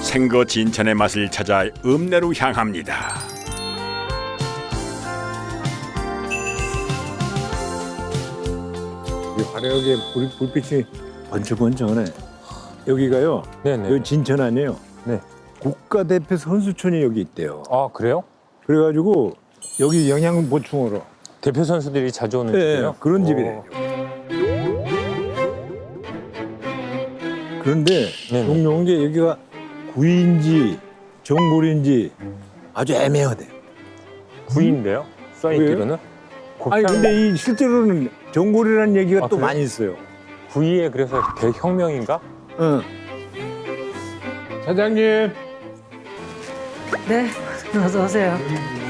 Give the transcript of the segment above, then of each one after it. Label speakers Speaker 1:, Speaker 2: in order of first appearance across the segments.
Speaker 1: 생거 진천의 맛을 찾아 읍내로 향합니다.
Speaker 2: 이 화려하게 불빛이 번쩍번쩍하네. 여기가요.
Speaker 3: 네네.
Speaker 2: 여기 진천 아니에요.
Speaker 3: 네.
Speaker 2: 국가대표 선수촌이 여기 있대요.
Speaker 3: 아 그래요?
Speaker 2: 그래가지고 여기 영양 보충으로
Speaker 3: 대표 선수들이 자주 오는
Speaker 2: 네,
Speaker 3: 집이에요?
Speaker 2: 그런 집이래요. 그런데
Speaker 3: 네네.
Speaker 2: 종종 게 여기가 구인지 정골인지 아주 애매하대.
Speaker 3: 구이인데요? 써있기로는?
Speaker 2: 아니 근데 이 실제로는 정골이라는 얘기가
Speaker 3: 아,
Speaker 2: 또
Speaker 3: 그래요?
Speaker 2: 많이 있어요.
Speaker 3: 구이에 그래서 대혁명인가?
Speaker 2: 응. 사장님.
Speaker 4: 네, 어서 오세요.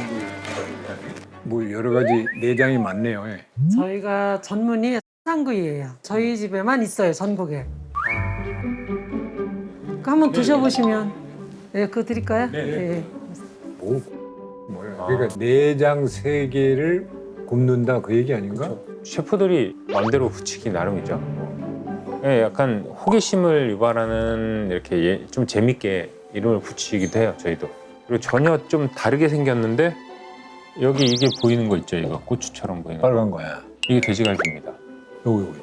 Speaker 2: 뭐 여러 가지 내장이 많네요. 예.
Speaker 4: 저희가 전문이 산구이예요. 저희 집에만 있어요, 전국에. 그거 한번 드셔보시면, 네, 그거 드릴까요? 네.
Speaker 2: 뭐야? 그러니까 내장 세 개를 굽는다 그 얘기 아닌가?
Speaker 3: 셰프들이 마음대로 붙이기 나름이죠. 예, 약간 호기심을 유발하는 이렇게 좀 재밌게 이름을 붙이기도 해요, 저희도. 그리고 전혀 좀 다르게 생겼는데 여기 이게 보이는 거 있죠, 이거 고추처럼 보이는 거.
Speaker 2: 빨간 거야.
Speaker 3: 이게 돼지갈비입니다.
Speaker 2: 요거.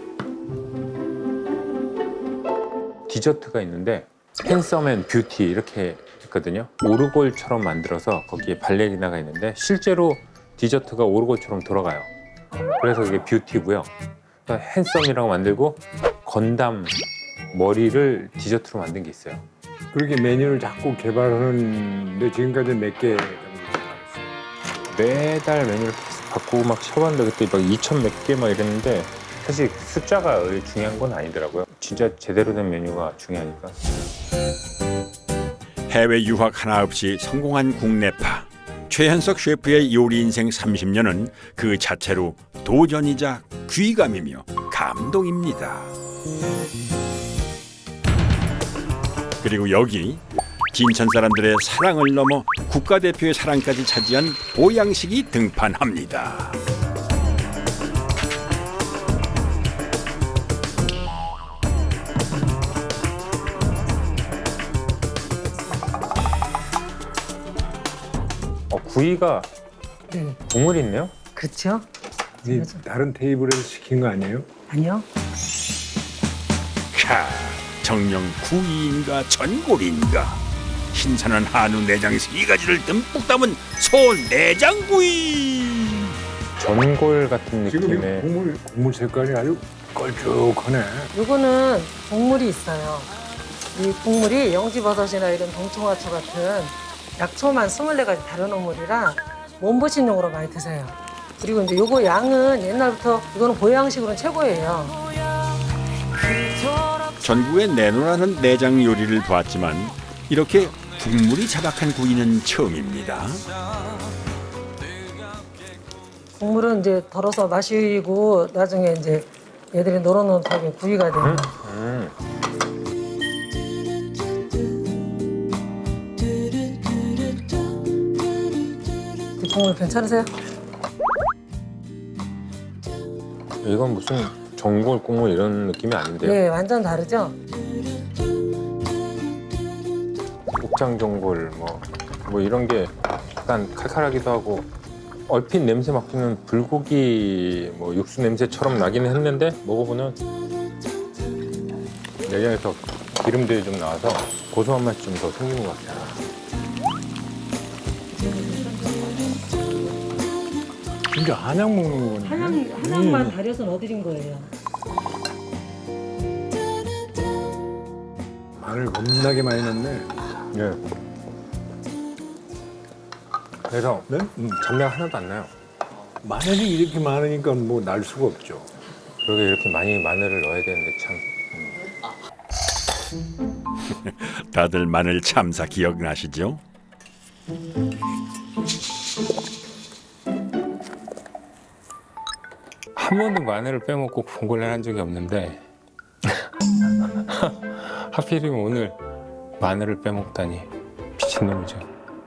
Speaker 3: 디저트가 있는데 핸섬 앤 뷰티 이렇게 있거든요. 오르골처럼 만들어서 거기에 발레리나가 있는데 실제로 디저트가 오르골처럼 돌아가요. 그래서 그게 뷰티고요. 그러니까 핸섬이라고 만들고 건담 머리를 디저트로 만든 게 있어요.
Speaker 2: 그렇게 메뉴를 자꾸 개발하는데 지금까지 몇 개 정도
Speaker 3: 매달 메뉴를 계속 바꾸고 막 쳐봤는데 그때 막 2천 몇 개 막 이랬는데 사실 숫자가 중요한 건 아니더라고요. 진짜 제대로 된 메뉴가 중요하니까.
Speaker 1: 해외 유학 하나 없이 성공한 국내파. 최현석 셰프의 요리 인생 30년은 그 자체로 도전이자 귀감이며 감동입니다. 그리고 여기 진천 사람들의 사랑을 넘어 국가대표의 사랑까지 차지한 보양식이 등판합니다.
Speaker 3: 구이가
Speaker 4: 네.
Speaker 3: 국물이 있네요.
Speaker 4: 그렇죠?
Speaker 2: 이 다른 테이블에서 시킨 거 아니에요?
Speaker 4: 아니요.
Speaker 1: 캬, 정령 구이인가 전골인가 신선한 한우 내장 세 가지를 듬뿍 담은 소 내장구이.
Speaker 3: 전골 같은
Speaker 2: 지금 이
Speaker 3: 느낌의
Speaker 2: 국물 색깔이 아주 걸쭉하네.
Speaker 4: 요거는 국물이 있어요. 이 국물이 영지버섯이나 이런 동청화초 같은 약초만 24가지 다른 어물이라 몸보신용으로 많이 드세요. 그리고 이제 요거 양은 옛날부터 이거는 보양식으로는 최고예요.
Speaker 1: 전국에 내놓으라는 내장 요리를 봤지만 이렇게 국물이 자박한 구이는 처음입니다.
Speaker 4: 국물은 이제 덜어서 마시고 나중에 이제 얘들이 노릇노릇하게 구이가 돼요. 이 국물 괜찮으세요?
Speaker 3: 이건 무슨 전골 국물 이런 느낌이 아닌데요.
Speaker 4: 네, 완전 다르죠?
Speaker 3: 목장 전골 뭐 이런 게 약간 칼칼하기도 하고 얼핏 냄새 맡기는 불고기 뭐 육수 냄새처럼 나기는 했는데 먹어보면 내장에서 기름들이 좀 나와서 고소한 맛이 좀 더 생기는 것 같아요.
Speaker 2: 진짜 한약 먹는 거네.
Speaker 4: 한약만 달여서 넣어드린 거예요.
Speaker 2: 마늘 겁나게 많이 넣네.
Speaker 3: 네. 그래서
Speaker 2: 네?
Speaker 3: 잡내가 하나도 안 나요.
Speaker 2: 마늘이 이렇게 많으니까 뭐 날 수가 없죠.
Speaker 3: 그러게 이렇게 많이 마늘을 넣어야 되는데 참.
Speaker 1: 다들 마늘 참사 기억나시죠?
Speaker 3: 한 번도 마늘을 빼먹고 봉골레를 한 적이 없는데 하필이면 오늘 마늘을 빼먹다니 미친놈이죠.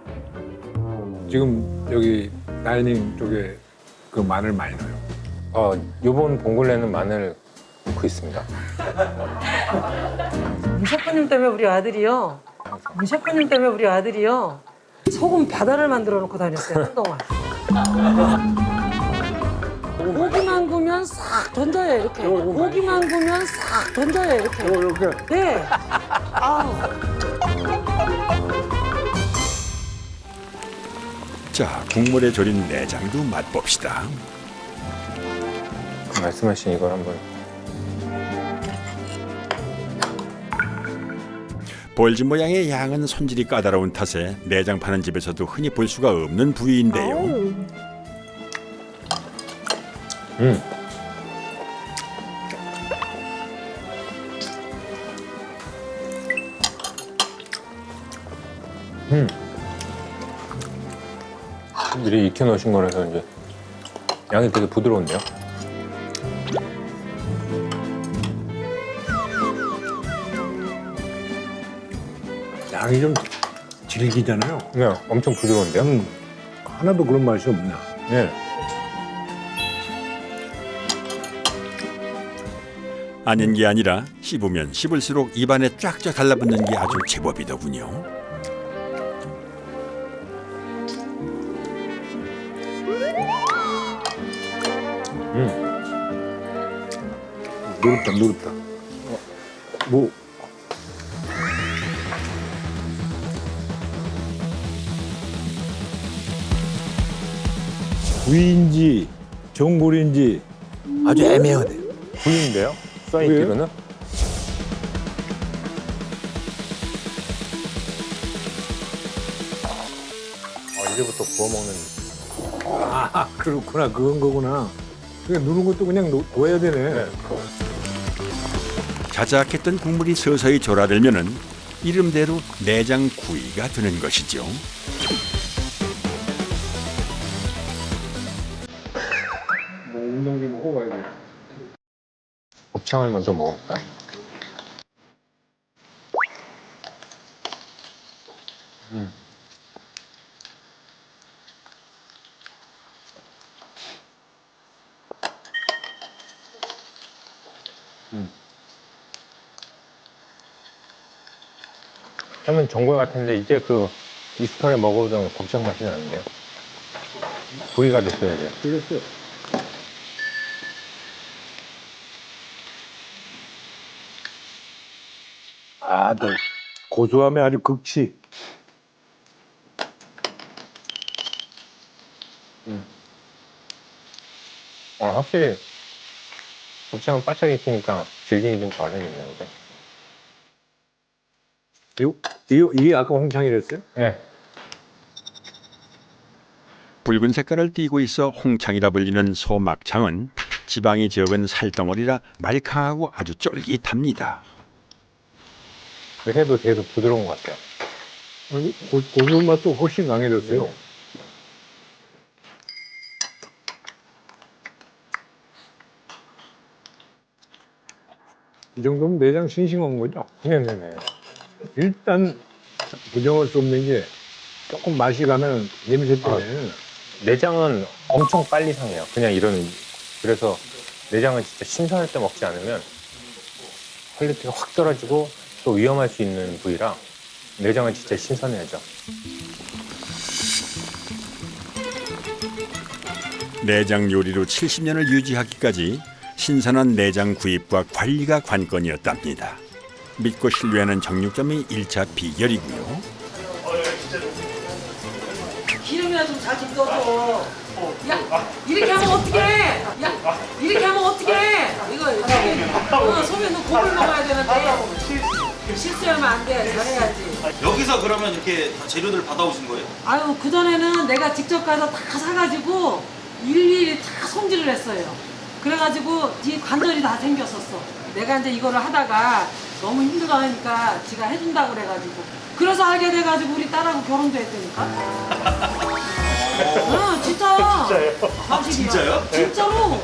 Speaker 2: 지금 여기 다이닝 쪽에 그 마늘 많이 넣어요.
Speaker 3: 요번 봉골레는 마늘 넣고 있습니다.
Speaker 4: 이 셰프님 때문에 우리 아들이요. 우리 셰프님 때문에 우리 아들이요 소금 바다를 만들어 놓고 다녔어요 한동안. 고기만 구면 싹 던져요 이렇게. 고기만 구면 싹 던져요 이렇게.
Speaker 2: 이렇게.
Speaker 4: 네. 아우.
Speaker 1: 자, 국물에 절인 내장도 맛봅시다.
Speaker 3: 말씀하신 이걸 한번.
Speaker 1: 볼지 모양의 양은 손질이 까다로운 탓에 내장 파는 집에서도 흔히 볼 수가 없는 부위인데요.
Speaker 3: 미리 익혀놓으신 거라서 이제 양이 되게 부드러운데요.
Speaker 2: 양이 좀 질기잖아요.
Speaker 3: 네, 엄청 부드러운데요.
Speaker 2: 하나도 그런 맛이 없나.
Speaker 3: 네.
Speaker 1: 아닌 게 아니라 씹으면 씹을수록 입안에 쫙쫙 달라붙는 게 아주 제법이더군요.
Speaker 2: 노릇다, 노릇다. 뭐. 구이인지 전골인지 아주 애매하네요.
Speaker 3: 구이인데요? 써있기로는? 이제부터 구워 먹는.
Speaker 2: 아, 그렇구나. 그건 거구나. 그러니까 누른 것도 그냥 놓아야 되네.
Speaker 1: 자작했던 국물이 서서히 졸아들면은 이름대로 내장 구이가 되는 것이죠.
Speaker 2: 뭐 운동기 먹어봐야 돼.
Speaker 3: 곱창을 먼저 먹어볼까요? 처음엔 전골 같은데 이제 그 익숙하게 먹어보던 곱창 맛이 나는데요. 구이가 됐어야 돼요.
Speaker 2: 그랬어요. 아, 너 고소함이 아주 극치.
Speaker 3: 확실히 곱창은 바짝 익히니까 질기기 좀 덜해지네요.
Speaker 2: 이게 아까 홍창이랬어요?
Speaker 3: 네.
Speaker 1: 붉은 색깔을 띠고 있어 홍창이라 불리는 소막창은 지방이 적은 살덩어리라 말캉하고 아주 쫄깃합니다.
Speaker 3: 해도 계속 부드러운 것 같아요.
Speaker 2: 고소한 맛도 훨씬 강해졌어요. 이 정도면 내장 싱싱한 거죠?
Speaker 3: 네네네.
Speaker 2: 일단 부정할 수 없는 게 조금 맛이 가면 냄새 때문에
Speaker 3: 내장은 엄청 빨리 상해요. 그냥 이런. 그래서 내장은 진짜 신선할 때 먹지 않으면 퀄리티가 확 떨어지고 또 위험할 수 있는 부위라 내장은 진짜 신선해야죠.
Speaker 1: 내장 요리로 70년을 유지하기까지 신선한 내장 구입과 관리가 관건이었답니다. 믿고 신뢰하는 정육점이 1차 비결이고요.
Speaker 4: 기름이나 좀 잘 좀 떠줘. 야, 이렇게 하면 어떡해? 야, 이렇게 하면 어떡해? 이거 이렇게. 소면 너 고물 먹어야 되는데. 실수하면 안 돼. 잘해야지.
Speaker 5: 여기서 그러면 이렇게 다 재료들 받아오신 거예요?
Speaker 4: 아유, 그전에는 내가 직접 가서 다 사가지고 일일이 다 손질을 했어요. 그래가지고 뒤에 관절이 다 생겼었어. 내가 이제 이거를 하다가 너무 힘들어 하니까 지가 해준다고 그래가지고. 그래서 알게 돼가지고 우리 딸하고 결혼도 했다니까. 응, 진짜. 진짜요?
Speaker 5: 진짜요?
Speaker 4: 진짜로.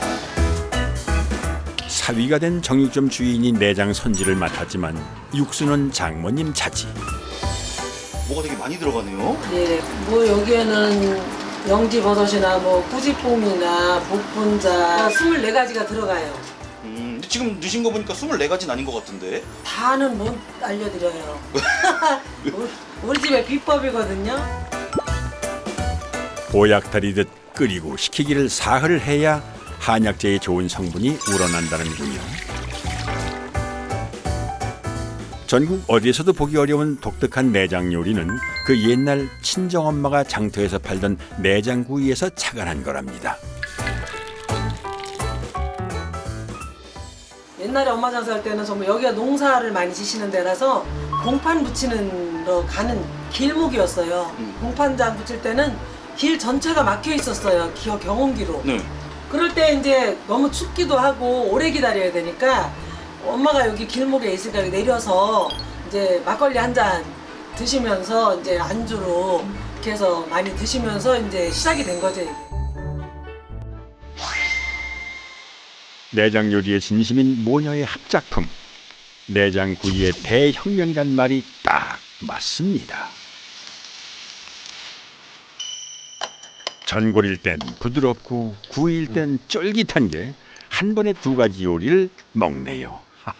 Speaker 1: 사위가 된 정육점 주인이 내장 손질을 맡았지만 육수는 장모님 차지.
Speaker 5: 뭐가 되게 많이 들어가네요.
Speaker 4: 네, 뭐 여기에는 영지버섯이나 뭐 꾸지뽕이나 복분자 24가지가 들어가요.
Speaker 5: 지금 넣으신 거 보니까 24가지는 아닌 것 같은데.
Speaker 4: 다는 못 알려드려요. 우리 집의 비법이거든요.
Speaker 1: 보약다리듯 끓이고 식히기를 사흘 해야 한약재의 좋은 성분이 우러난다는군요. 전국 어디에서도 보기 어려운 독특한 내장 요리는 그 옛날 친정엄마가 장터에서 팔던 내장구이에서 착안한 거랍니다.
Speaker 4: 옛날에 엄마 장사할 때는 정말 여기가 농사를 많이 지시는 데라서 공판 붙이는 거 가는 길목이었어요. 공판장 붙일 때는 길 전체가 막혀 있었어요. 경운기로.
Speaker 5: 네.
Speaker 4: 그럴 때 이제 너무 춥기도 하고 오래 기다려야 되니까 엄마가 여기 길목에 있으니까 여기 내려서 이제 막걸리 한 잔 드시면서 이제 안주로 이렇게 해서 많이 드시면서 이제 시작이 된 거죠. 이게.
Speaker 1: 내장 요리의 진심인 모녀의 합작품. 내장구이의 대혁명이란 말이 딱 맞습니다. 전골일 땐 부드럽고 구이일 땐 쫄깃한 게 한 번에 두 가지 요리를 먹네요.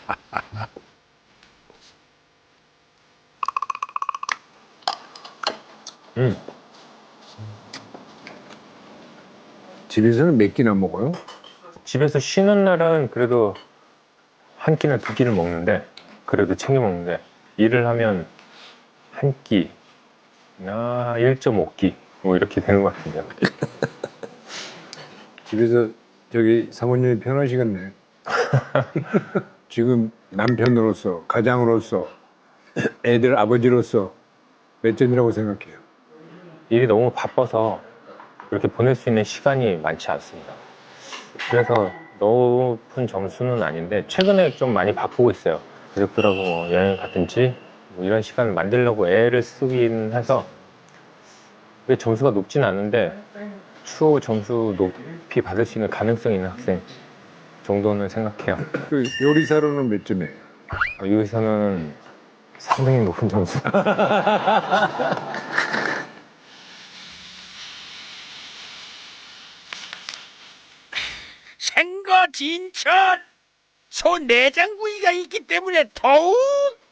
Speaker 2: 집에서는 몇 끼나 먹어요?
Speaker 3: 집에서 쉬는 날은 그래도 한 끼나 두 끼를 먹는데, 그래도 챙겨 먹는데, 일을 하면 한 끼나 1.5끼 뭐 이렇게 되는 것 같은데요.
Speaker 2: 집에서 저기 사모님이 편하시겠네. 지금 남편으로서, 가장으로서, 애들 아버지로서 몇 점이라고 생각해요?
Speaker 3: 일이 너무 바빠서 그렇게 보낼 수 있는 시간이 많지 않습니다. 그래서 높은 점수는 아닌데 최근에 좀 많이 바쁘고 있어요. 가족들하고 뭐 여행 가든지 뭐 이런 시간을 만들려고 애를 쓰긴 해서 그게 점수가 높진 않은데 추후 점수 높이 받을 수 있는 가능성이 있는 학생 정도는 생각해요.
Speaker 2: 그 요리사로는 몇 점이에요?
Speaker 3: 여기서는 상당히 높은 점수.
Speaker 1: 생거 진천 소 내장구이가 있기 때문에 더욱